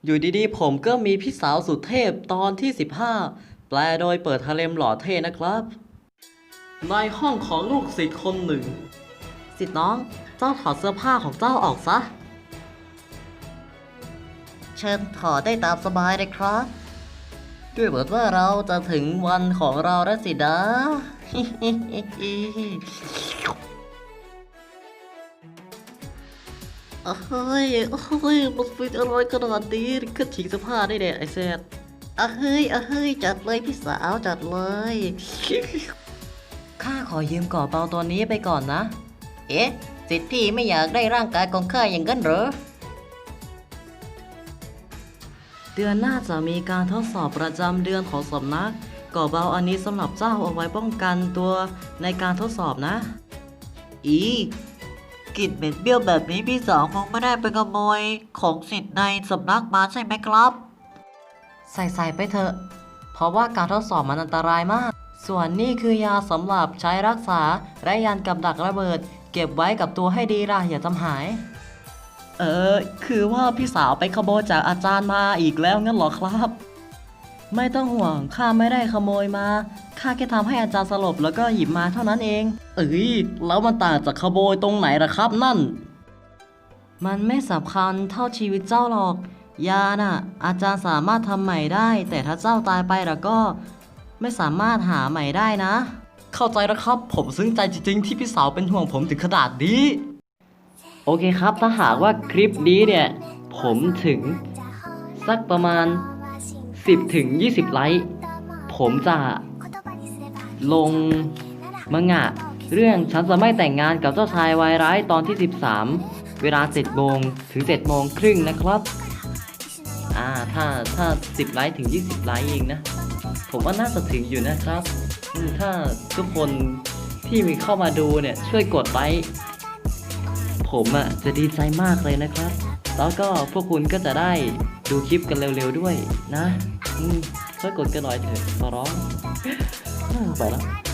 อยู่ดีๆผมก็มีพี่สาวสุดเทพตอนที่15แปลโดยเปิดฮาเร็มหล่อเท่นะครับในห้องของลูกศิษย์คนหนึ่งศิษย์น้องเจ้าถอดเสื้อผ้าของเจ้าออกซะเชิญถอดได้ตามสบายเลยครับด้วยเหมือนว่าเราจะถึงวันของเราแล้วสินะ เฮ้ยมันเป็นอะไรขนาดนี้ก็ทิ้งเสื้อผ้าได้เด็ดไอ้แซดเฮ้ยจัดเลยพี่สาวจัดเลย ข้าขอยืมก่อเปาตัวนี้ไปก่อนนะ เอ๊ะสิทธิ์พี่ไม่อยากได้ร่างกายของข้าอย่างนั้นเหรอ เดือนหน้าจะมีการทดสอบประจำเดือนของสำนัก ก่อเบาอันนี้สำหรับเจ้าเอาไว้ป้องกันตัวในการทดสอบนะ กลิ่นเหม็นเบี้ยวแบบนี้พี่สาวคงไม่ได้ไปขโมยของสิทธิ์ในสำนักมาใช่ไหมครับ ใส่ไปเถอะ เพราะว่าการทดสอบมันอันตรายมาก ส่วนนี่คือยาสำหรับใช้รักษาและยันกับดักระเบิด เก็บไว้กับตัวให้ดีล่ะอย่าทำหาย คือว่าพี่สาวไปขโมยจากอาจารย์มาอีกแล้วงั้นเหรอครับ ไม่ต้องห่วงข้าไม่ได้ขโมยมาข้าแค่ทำให้อาจารย์สลบแล้วก็หยิบมาเท่านั้นเอง แล้วมันต่างจากขโมยตรงไหนล่ะครับนั่น มันไม่สำคัญเท่าชีวิตเจ้าหรอก ยาน่ะ อาจารย์สามารถทำใหม่ได้ แต่ถ้าเจ้าตายไปแล้วก็ไม่สามารถหาใหม่ได้นะ เข้าใจแล้วครับ ผมซึ้งใจจริงๆที่พี่สาวเป็นห่วงผมถึงขนาดนี้ โอเคครับ ถ้าหากว่าคลิปนี้เนี่ย ผมถึงสักประมาณ 10 ถึง 20 ไลค์ ผมจะลงมังงะเรื่องฉันจะไม่แต่งงานกับเจ้าชายวายร้ายตอนที่ 13 เวลา 7 โมงถึง 7 โมงครึ่งนะครับ ถ้า 10 ไลค์ถึง 20 ไลค์เองนะ ผมว่าน่าจะถึงอยู่นะครับ ถ้าทุกคนที่มีเข้ามาดูเนี่ยช่วยกดไลค์ ผมจะดีใจมากเลยนะครับ แล้วก็พวกคุณก็จะได้ดูคลิปกันเร็วๆด้วยนะช่วยกดกันหน่อยเถอะขอร้องไปแล้ว